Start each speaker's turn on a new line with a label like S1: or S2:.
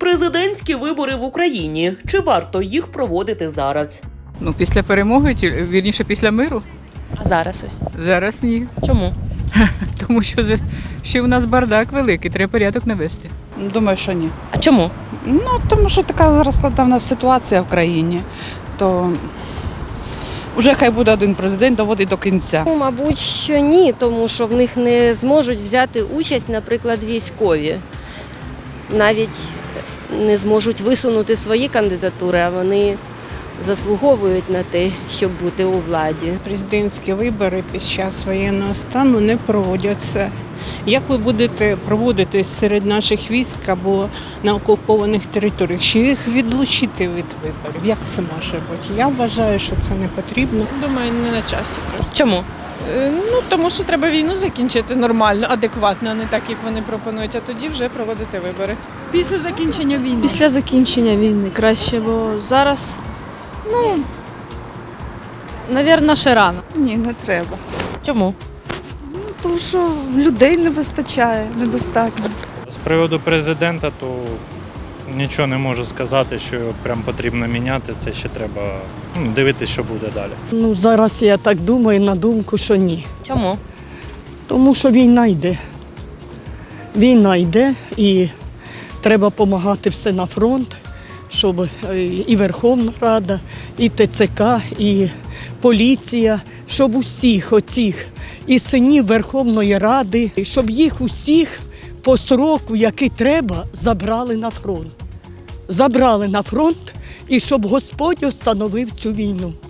S1: Президентські вибори в Україні. Чи варто їх проводити зараз?
S2: Ну, після перемоги, вірніше, після миру.
S1: А зараз ось.
S2: Зараз ні.
S1: Чому?
S2: Тому що ще в нас бардак великий, треба порядок навести.
S3: Думаю, що ні.
S1: А чому?
S3: Ну, тому що така зараз складна ситуація в країні, то вже хай буде один президент, доводить до кінця.
S4: Ну, мабуть, що ні, тому що в них не зможуть взяти участь, наприклад, військові. Навіть не зможуть висунути свої кандидатури, а вони заслуговують на те, щоб бути у владі.
S5: Президентські вибори під час воєнного стану не проводяться. Як ви будете проводити серед наших військ або на окупованих територіях? Чи їх відлучити від виборів? Як це може бути? Я вважаю, що це не потрібно.
S6: Думаю, не на часі.
S1: Чому?
S6: Ну, тому що треба війну закінчити нормально, адекватно, а не так, як вони пропонують, а тоді вже проводити вибори.
S2: Після закінчення війни.
S7: Після закінчення війни краще, бо зараз, навірно, ще рано.
S8: Ні, не треба.
S1: Чому?
S8: Тому що людей не вистачає, недостатньо.
S9: З приводу президента, то нічого не можу сказати, що його прям потрібно міняти. Це ще треба дивитися, що буде далі.
S10: Ну, зараз я так думаю, на думку, що ні.
S1: Чому?
S10: Тому що війна йде. Війна йде і треба допомагати все на фронт, щоб і Верховна Рада, і ТЦК, і поліція, щоб усіх оцих і синів Верховної Ради, щоб їх усіх по сроку, який треба, забрали на фронт. Забрали на фронт і щоб Господь остановив цю війну.